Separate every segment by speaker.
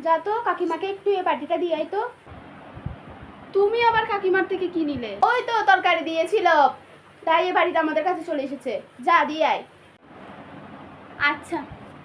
Speaker 1: যা তো কাকিমাকে একটু এই বাটিটা দিয়ে আয় তো। তুমি আবার কাকিমার থেকে কি নিলে? ওই তো তরকারি দিয়েছিল, তাই এই বাড়িটা আমাদের কাছে চলে এসেছে। যা দিয়ে আয়। আচ্ছা।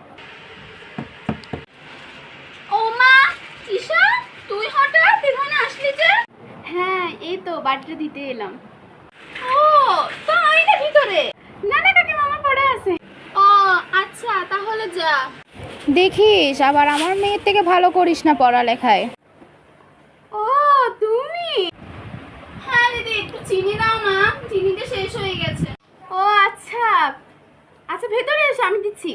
Speaker 1: ও মা, ঈশা তুই হঠাৎ এখানে আসলি যে? হ্যাঁ, এই তো বাটিটা দিতে এলাম। ও তাই না, ভিতরে? না না কাকিমা, আমার পড়ে আছে। ও আচ্ছা, তাহলে যা।
Speaker 2: দেখিস আবার আমার মেয়ের থেকে ভালো করিস না পড়ালেখায়।
Speaker 1: ও তুমি? হ্যাঁ দিদি, একটু চিনি দাও না, চিনিটা শেষ হয়ে গেছে। ও আচ্ছা আচ্ছা, ভেতরে এসো, আমি দিচ্ছি।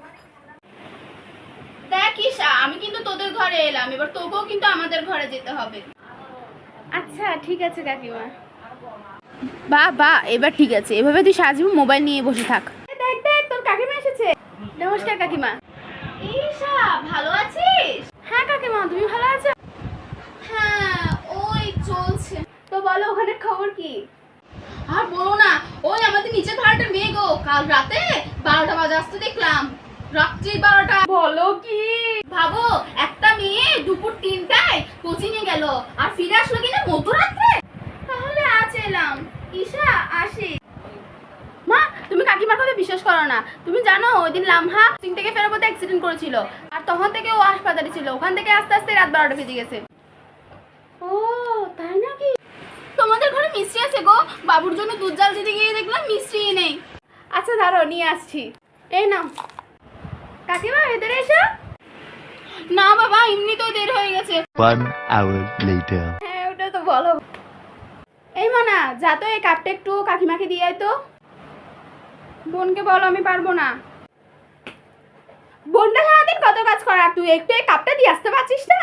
Speaker 1: দেখ ঈশা, আমি কিন্তু তোদের ঘরে এলাম, এবার তোকেও কিন্তু আমাদের ঘরে যেতে হবে। আচ্ছা ঠিক আছে কাকিমা।
Speaker 2: বা এবার ঠিক আছে, এভাবে তুই সারাজীবন মোবাইল নিয়ে বসে থাক।
Speaker 1: দেখ দেখ, তোর কাকিমা এসেছে। নমস্কার কাকিমা। ঈশা ভালো আছিস? হ্যাঁ কাকিমা, তুমি ভালো আছো? হ্যাঁ ওই চলছে। তো বলো, ওখানে খবর কি? আর বলো না, ওই আমাদের নিচের ভাড়াটার মেয়ে গো, কাল রাতে 12টা বাজে আসতে দেখলাম। রাত্রি 12টা। বলো কি? ভাবো, একটা মেয়ে দুপুর 3টায় কোচিং এ গেল আর ফিরে আসলো কিনা মধ্যরাত্রে। তাহলে আজ এলাম। ঈশা আসি। মা, তুমি কাকিমার কথা বিশ্বাস করো না। তুমি জানো ওই দিন লামহা কোচিং থেকে ফেরার পথে অ্যাক্সিডেন্ট করেছিল, আর তখন থেকে ও হাসপাতালে ছিল। ওখান থেকে আস্তে আস্তে রাত 12টা বেজে গেছে। ও তাই নাকি? তোমাদের ঘরে মিষ্টি আছে গো, বাবুর জন্য দুধ জাল দিতে গিয়ে দেখলাম মিষ্টি নেই। আচ্ছা দাঁড়াও, নিয়ে আসছি। এই নাও। কাকিমা ভেতরে এসো। না বাবা, এমনি তো দেরি হয়ে গেছে।
Speaker 3: 1 hour later.
Speaker 1: হ্যাঁ ওটা তো বলো। এই মানা, যা তো এই কাপটা একটু কাকিমাকে দিয়ে আয় তো। বোনকে বলো আমি পারবো না। বোনটা সারাদিন কত কাজ করা, তুই একটু এই কাপটা দিয়ে আসতে পারছিস না?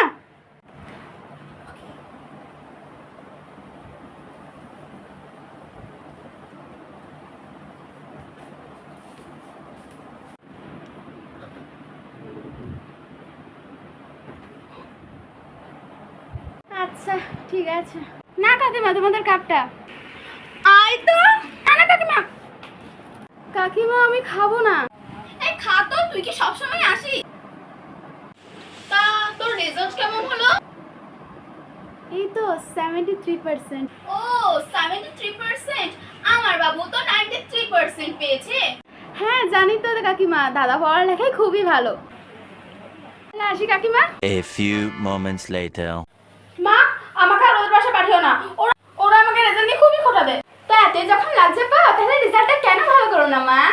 Speaker 1: আচ্ছা ঠিক আছে। না কাকিমা, তোমাদের কাপটা। আয় তো। না না কাকিমা। কাকিমা আমি খাবো না। এই খা তো, তুই কি সবসময় আসিস? তা তোর রেজাল্ট কেমন হলো? এই তো 73%। ও 73%? আমার বাবু তো 93% পেয়েছে। হ্যাঁ জানি তো কাকিমা, দাদা পড়ালেখায় খুবই ভালো। আসি কাকিমা।
Speaker 3: A few moments later.
Speaker 1: মা, আমাকে আর ওদের বাসায় পাঠিও না। ওরা আমাকে রেজাল্ট নিয়ে খুবই খোটা দেয়। তো এতে যখন লাগছে পাও, তাহলে রেজাল্টটা কেন ভালো করো না মা?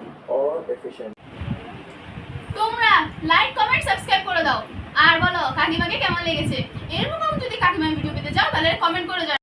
Speaker 1: তোমরা লাইক কমেন্ট সাবস্ক্রাইব করে দাও, আর বলো কাকিমাকে কেমন লেগেছে। এরকম যদি কাকিমা ভিডিও পেতে চাও তাহলে কমেন্ট করে যাও।